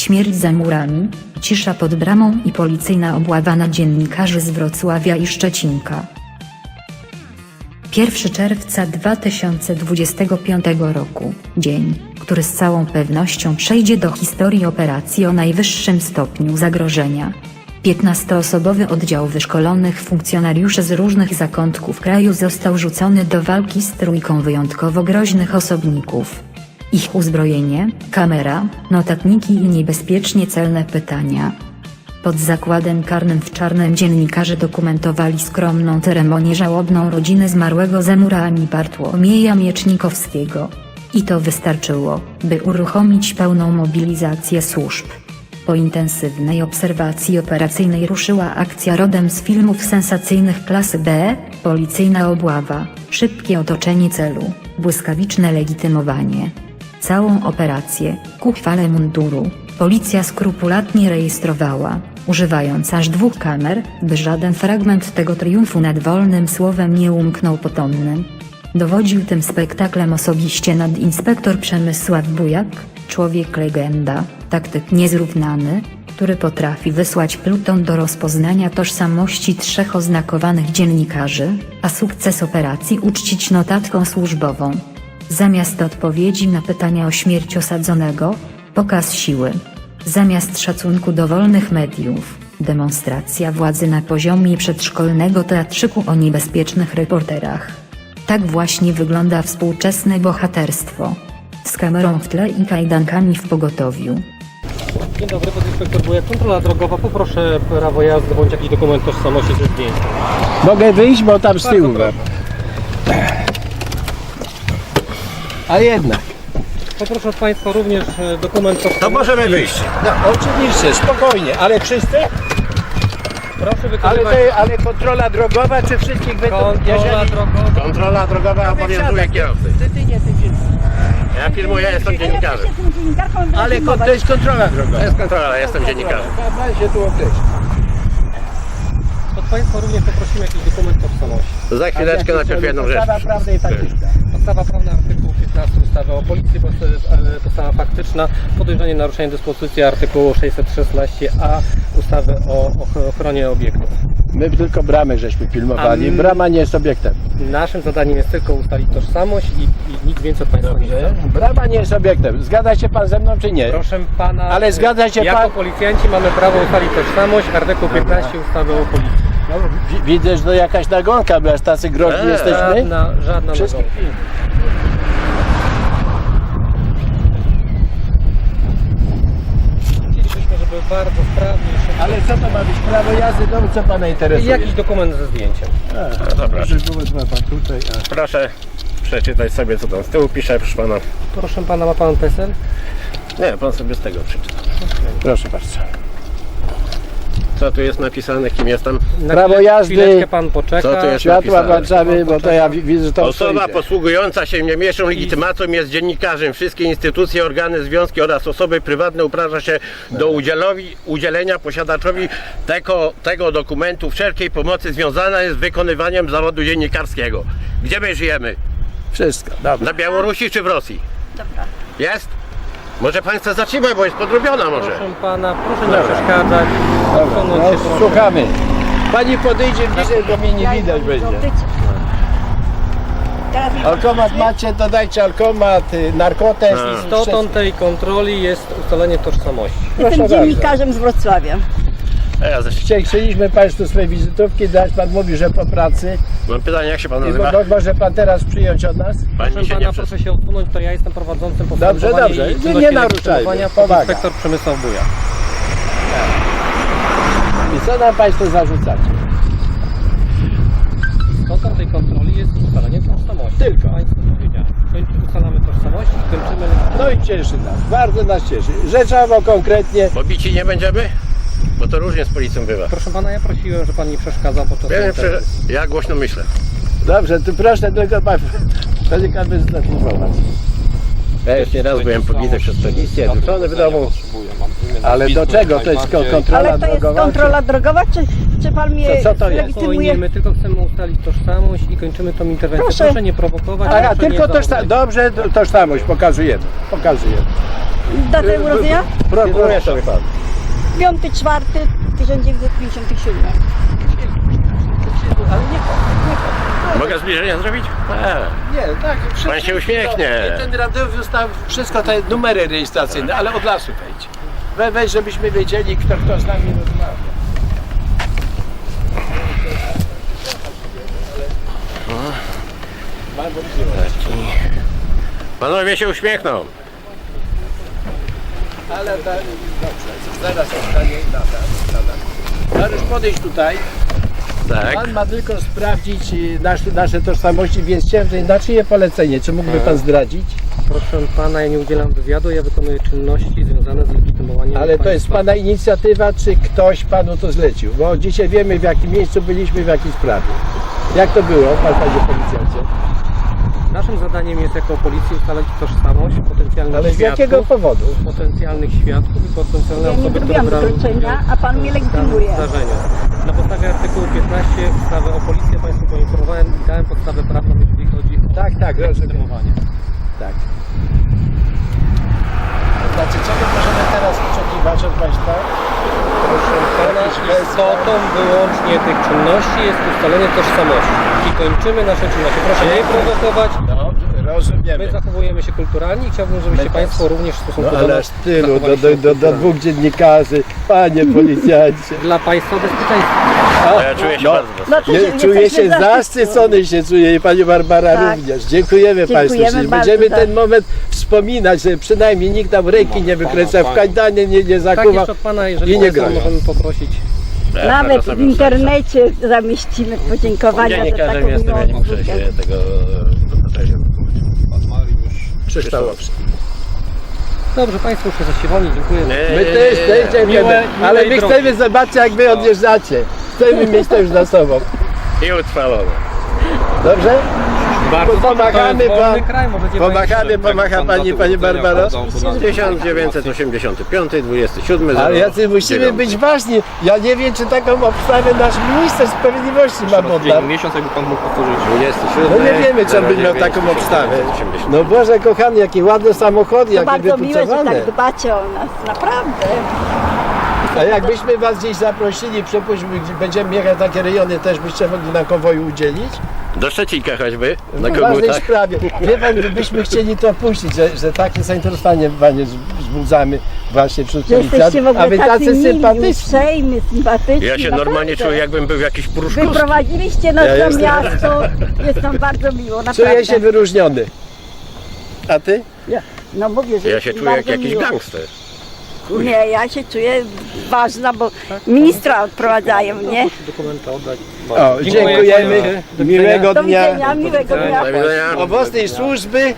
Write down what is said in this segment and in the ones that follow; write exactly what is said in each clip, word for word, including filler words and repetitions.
Śmierć za murami, cisza pod bramą i policyjna obława na dziennikarzy z Wrocławia i Szczecinka. pierwszego czerwca dwa tysiące dwudziestego piątego roku, dzień, który z całą pewnością przejdzie do historii operacji o najwyższym stopniu zagrożenia. piętnastoosobowy oddział wyszkolonych funkcjonariuszy z różnych zakątków kraju został rzucony do walki z trójką wyjątkowo groźnych osobników. Ich uzbrojenie, kamera, notatniki i niebezpiecznie celne pytania. Pod zakładem karnym w Czarnem dziennikarze dokumentowali skromną ceremonię żałobną rodziny zmarłego za murami Bartłomieja Miecznikowskiego. I to wystarczyło, by uruchomić pełną mobilizację służb. Po intensywnej obserwacji operacyjnej ruszyła akcja rodem z filmów sensacyjnych klasy B, policyjna obława, szybkie otoczenie celu, błyskawiczne legitymowanie. Całą operację, ku chwale munduru, policja skrupulatnie rejestrowała, używając aż dwóch kamer, by żaden fragment tego triumfu nad wolnym słowem nie umknął potomnym. Dowodził tym spektaklem osobiście nadinspektor Przemysław Bujak, człowiek legenda, taktyk niezrównany, który potrafi wysłać pluton do rozpoznania tożsamości trzech oznakowanych dziennikarzy, a sukces operacji uczcić notatką służbową. Zamiast odpowiedzi na pytania o śmierć osadzonego, pokaz siły. Zamiast szacunku do wolnych mediów, demonstracja władzy na poziomie przedszkolnego teatrzyku o niebezpiecznych reporterach. Tak właśnie wygląda współczesne bohaterstwo. Z kamerą w tle i kajdankami w pogotowiu. Dzień dobry, podinspektor Bujak, kontrola drogowa. Poproszę prawo jazdy bądź jakiś dokument tożsamości ze zdjęciem. Mogę wyjść, bo tam z tyłu. A jednak. Poproszę od Państwa również dokument tożsamości. To możemy wyjść. No oczywiście, spokojnie, ale wszyscy? Proszę Ale, wykonywać te, ale kontrola drogowa, czy wszystkich będą? kontrola drogowa. Kontrola drogowa obowiązuje kierowcy. Ty, ty nie, ty nie. Ja filmuję, jestem dziennikarzem. Ale kon- to jest kontrola drogowa. To jest kontrola, jestem dziennikarzem. Pan się tu określi. Od Państwa również poprosimy jakiś dokument tożsamości. Za chwileczkę najpierw jedną rzecz. Podstawa prawna i faktyczna. Podstawa prawna artykuł piętnasty ustawy o policji, podstawa faktyczna, podejrzenie naruszenia dyspozycji artykułu sześćset szesnaście a ustawy o ochronie obiektów. My tylko bramę żeśmy filmowali. A my- Brama nie jest obiektem. Naszym zadaniem jest tylko ustalić tożsamość i, i nic więcej od Państwa nie chcę. Brama nie jest obiektem. Zgadza się pan ze mną, czy nie? Proszę Pana, Ale zgadza się jako pan- policjanci mamy prawo ustalić tożsamość, artykuł piętnaście ustawy o policji. No, wi- widzę, że to jakaś nagonka, bo aż tacy groźni Eee. jesteśmy. Żadna, żadna Wszystkich- nagonka. Chcielibyśmy, żeby bardzo sprawnie i szybko. Ale co to ma być? Prawo jazdy? No co pana interesuje? Jakiś dokument ze zdjęciem. A, No dobra. ma pan tutaj. A. Proszę przeczytać sobie, co tam z tyłu pisze, proszę pana. Proszę Pana, ma Pan PESEL? Nie, pan sobie z tego przeczyta. Proszę bardzo. Co tu jest napisane, kim jestem? Na Prawo chwilę- jazdy. Chwileczkę Pan poczeka. Co tu jest? Światła napisane. włączamy, bo to ja wi- widzę, że to Osoba stoi. posługująca się niemieszczą legitymacją jest dziennikarzem. Wszystkie instytucje, organy, związki oraz osoby prywatne uprawnia się do udzielowi, udzielenia posiadaczowi tego, tego dokumentu wszelkiej pomocy związana jest z wykonywaniem zawodu dziennikarskiego. Gdzie my żyjemy? Wszystko, dobra. Na Białorusi czy w Rosji? Dobra. Jest? Może pan chce zatrzymać, bo jest podrobiona może. Proszę Pana, proszę nie przeszkadzać. Dobra, Odsunąć no, się proszę. słuchamy. Pani podejdzie bliżej, bo mnie nie widać będzie. Alkomat macie, to dajcie alkomat, y, narkotest. A. i Istotą tej kontroli jest ustalenie tożsamości. Proszę Jestem bardzo. dziennikarzem z Wrocławia. A ja zresztą Chcie- Chcieliśmy Państwu swoje wizytówki dać, Pan mówi, że po pracy. mam pytanie, jak się pan I nazywa? mo- może Pan teraz przyjąć od nas? Pani Proszę się Pana, nie przez... proszę się odsunąć, to ja jestem prowadzącym postępowanie Dobrze, dobrze. i Nie- czynności nie naruszajmy. legitymowania, Powaga. inspektor Przemysław Bujak. I co nam Państwo zarzucacie? Istotą tej kontroli jest ustalenie tożsamości. Tylko. Państwu powiedziałem. Kończy, ustalamy tożsamość i kończymy... No i cieszy nas, bardzo nas cieszy. Rzeczowo, konkretnie. Pobici nie będziemy? Bo to różnie z policją bywa. Proszę Pana, ja prosiłem, że Pan nie przeszkadzał podczas Ja, nie interwencji. prze... ja głośno myślę. Dobrze, to proszę tylko Pan, Pan by zainformować. Ja już nieraz byłem pobity przez policję, rzucony w domu. Ale do czego? To jest ko- kontrola Ale to jest drogowa? kontrola drogowa, czy, czy pan mnie Co- co to jest? legitymuje? Spokojnie, my tylko chcemy ustalić tożsamość i kończymy tą interwencję. Proszę, Proszę. nie prowokować. Aha, proszę tylko nie tożsa- zaogniać. dobrze, to- tożsamość pokazujemy. Pokazujemy. Datę urodzenia? Gratuluję sobie pan. piąty czwarty tysiąc dziewięćset pięćdziesiąt siedem. Ale nie to. Mogę zbliżenia zrobić? A, Nie, tak. wszystko- Pan się uśmiechnie. Ten radiowy został wszystko te numery rejestracyjne, ale od lasu wejdź. We, weź, żebyśmy wiedzieli, kto, kto z nami rozmawia. Panowie się uśmiechną. Ale da, dobrze, zaraz zostanie data. data. Mariusz, podejść tutaj. Tak. Pan ma tylko sprawdzić y, nasz, nasze tożsamości, więc chciałem tutaj na czyje polecenie, czy mógłby pan zdradzić? Proszę pana, ja nie udzielam wywiadu, ja wykonuję czynności związane z legitymowaniem Ale to jest państwa. pana inicjatywa, czy ktoś panu to zlecił? Bo dzisiaj wiemy, w jakim miejscu byliśmy, w jakiej sprawie. Jak to było, pan panie policjancie? Naszym zadaniem jest jako policji ustalać tożsamość potencjalnych Ale z świadków, jakiego powodu? potencjalnych świadków i potencjalne Ja nie osoby, które zrobiłam brały wykroczenia, udział a pan mnie w danym legitymuje. zdarzeniu. Na podstawie artykułu piętnaście ustawy o policji ja Państwu poinformowałem i dałem podstawę prawną, jeżeli chodzi o Tak, tak, rozumiem. legitymowanie. Tak. Znaczy, czego możemy teraz oczekiwać od państwa? Proszę pana, istotą wyłącznie tych czynności jest ustalenie tożsamości i kończymy nasze czynności. Proszę nie prowokować. Dobrze, rozumiemy. My zachowujemy się kulturalnie i chciałbym, żebyście My Państwo też. również w stosunku No do ale nas aż tylu, do, zachowali do, się do, do kulturalnie. dwóch dziennikarzy, panie policjancie. Dla Państwa bezpieczeństwa. A ja czuję się No. bardzo No to Nie, się- czuję jesteśmy się zaszczyceni. zaszczycony się czuję i pani Barbara Tak. również. Dziękujemy, Dziękujemy Państwu. Czyli bardzo, będziemy tak. ten moment wspominać, że przynajmniej nikt nam ręki nie wykręca, w kajdanie nie, nie Tak, zakuwa. jeszcze od Pana, jeżeli i nie Państwo grają. możemy poprosić. Ja Nawet bardzo w sobie internecie zamieścimy podziękowania za Dziennikarzem taką jestem, ja nie miłą muszę się obsługę. tego dopatrzeć. Krzyształowski. Dobrze, Państwo już się zasiewali, dziękuję. My też, też dziękujemy. Miłe- Ale miłej my drogi. chcemy zobaczyć, jak wy odjeżdżacie. Chcemy mieć to już za sobą. I utrwalone. Dobrze? Bardzo pomagamy to jest wolny pan- kraj, możecie Pomachamy, pomacha pani, pani Barbaro. tysiąc dziewięćset osiemdziesiąty piąty, dwudziesty siódmy. Ale jacy musimy być ważni. Ja nie wiem, czy taką obstawę nasz minister sprawiedliwości ma pod nam. miesiąc, jakby pan mógł powtórzyć. dwudziesty siódmy. No nie wiemy, czy on by miał taką obstawę. No Boże kochany, jakie ładne samochody, To jakie bardzo miłe, że wypucowane. tak dbacie o nas, naprawdę. A jakbyśmy was gdzieś zaprosili, przepuśćmy, gdzie będziemy jechać takie rejony, też byście mogli na konwoju udzielić? Do Szczecinka choćby, na W ważnej kogutach. sprawie. Wie pan, byśmy chcieli to puścić, że, że takie zainteresowanie panie wzbudzamy właśnie wśród Że jesteście w policjantów, a ogóle wy tacy tacy mili, sympatyczni. uprzejmi, sympatyczni. Ja się naprawdę. normalnie czuję, jakbym był jakiś pruszkowski. Wyprowadziliście nas Ja do jestem- miasto, jest nam bardzo miło, naprawdę. Czuję się wyróżniony. A ty? No mówię, że Ja jest się mi czuję jak bardzo jakiś miło. gangster. Nie, ja się czuję ważna, bo ministra odprowadzają, nie? Dokumenty oddać. O, Dziękuję dziękujemy. panu. Do widzenia. Miłego Do dnia. widzenia, miłego dnia. Do widzenia. Owocnej służby.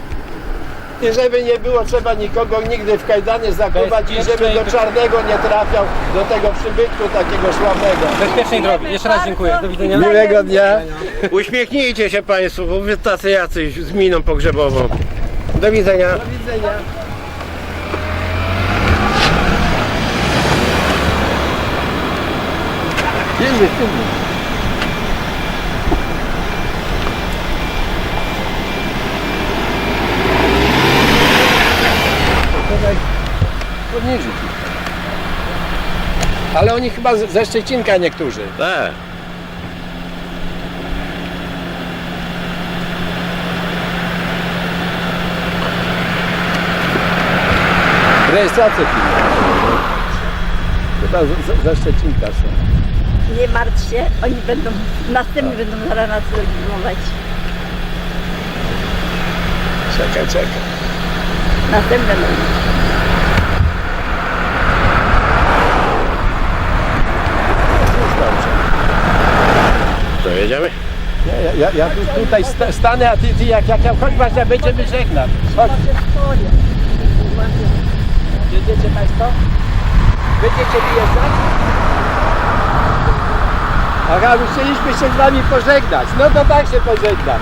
I żeby nie było trzeba nikogo nigdy w kajdanie zakuwać i żeby do czarnego nie trafiał, do tego przybytku takiego sławnego. Bezpiecznej drogi. Jeszcze raz dziękuję. Do widzenia. Miłego dnia. Uśmiechnijcie się Państwo, bo wy tacy jacyś z miną pogrzebową. Do widzenia. Do widzenia. Jedziemy, jedziemy. Podnieżyć. Ale oni chyba z- ze Szczecinka niektórzy. Tak. Rejestrację pilną. Chyba z- z- ze Szczecinka są. Nie martw się, oni będą, następni będą zaraz nas legitymować. Czekaj, czekaj. Następne będą. Już dobrze. To jedziemy? Ja, ja, ja, ja tu, tutaj sta, stanę, a ty, ty jak, jak ja chodź właśnie będziemy żegnać. Chodź. Jedziecie Państwo? Będziecie wyjeżdżać? Aha, my chcieliśmy się z Wami pożegnać. No to tak się pożegnam.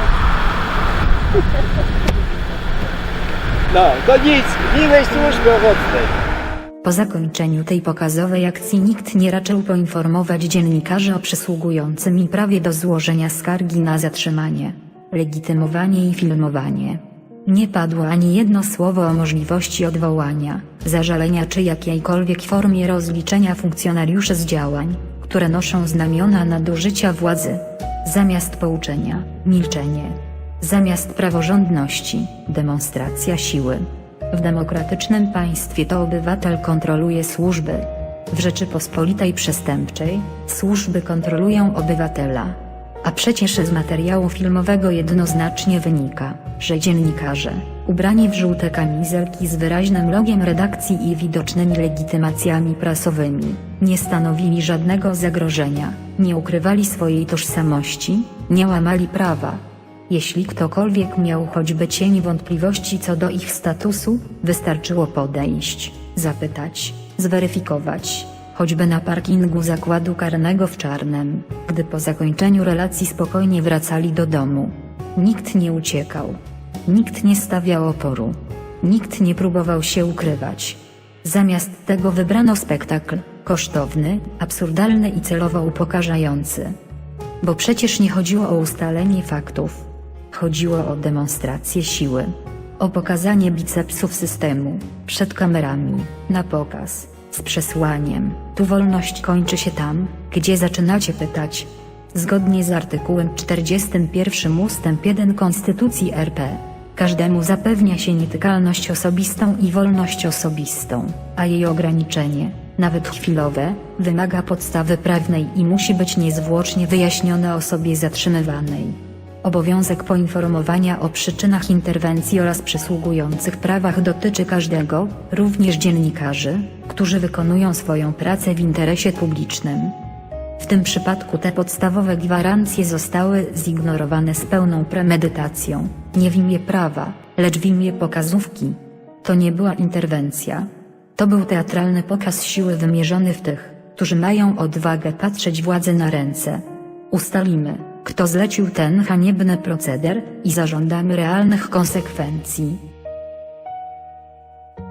No, to nic. Miłej służby owocnej. Po zakończeniu tej pokazowej akcji nikt nie raczył poinformować dziennikarzy o przysługującym im prawie do złożenia skargi na zatrzymanie, legitymowanie i filmowanie. Nie padło ani jedno słowo o możliwości odwołania, zażalenia czy jakiejkolwiek formie rozliczenia funkcjonariuszy z działań, które noszą znamiona nadużycia władzy. Zamiast pouczenia, milczenie. Zamiast praworządności, demonstracja siły. W demokratycznym państwie to obywatel kontroluje służby. W Rzeczypospolitej przestępczej, służby kontrolują obywatela. A przecież z materiału filmowego jednoznacznie wynika, że dziennikarze, ubrani w żółte kamizelki z wyraźnym logiem redakcji i widocznymi legitymacjami prasowymi, nie stanowili żadnego zagrożenia, nie ukrywali swojej tożsamości, nie łamali prawa. Jeśli ktokolwiek miał choćby cień wątpliwości co do ich statusu, wystarczyło podejść, zapytać, zweryfikować, choćby na parkingu zakładu karnego w Czarnem, gdy po zakończeniu relacji spokojnie wracali do domu. Nikt nie uciekał. Nikt nie stawiał oporu. Nikt nie próbował się ukrywać. Zamiast tego wybrano spektakl, kosztowny, absurdalny i celowo upokarzający. Bo przecież nie chodziło o ustalenie faktów. Chodziło o demonstrację siły. O pokazanie bicepsów systemu, przed kamerami, na pokaz, z przesłaniem: tu wolność kończy się tam, gdzie zaczynacie pytać. Zgodnie z artykułem czterdziestym pierwszym ustęp jeden Konstytucji R P, każdemu zapewnia się nietykalność osobistą i wolność osobistą, a jej ograniczenie, nawet chwilowe, wymaga podstawy prawnej i musi być niezwłocznie wyjaśnione osobie zatrzymywanej. Obowiązek poinformowania o przyczynach interwencji oraz przysługujących prawach dotyczy każdego, również dziennikarzy, którzy wykonują swoją pracę w interesie publicznym. W tym przypadku te podstawowe gwarancje zostały zignorowane z pełną premedytacją, nie w imię prawa, lecz w imię pokazówki. To nie była interwencja. To był teatralny pokaz siły wymierzony w tych, którzy mają odwagę patrzeć władzy na ręce. Ustalimy, kto zlecił ten haniebny proceder, i zażądamy realnych konsekwencji.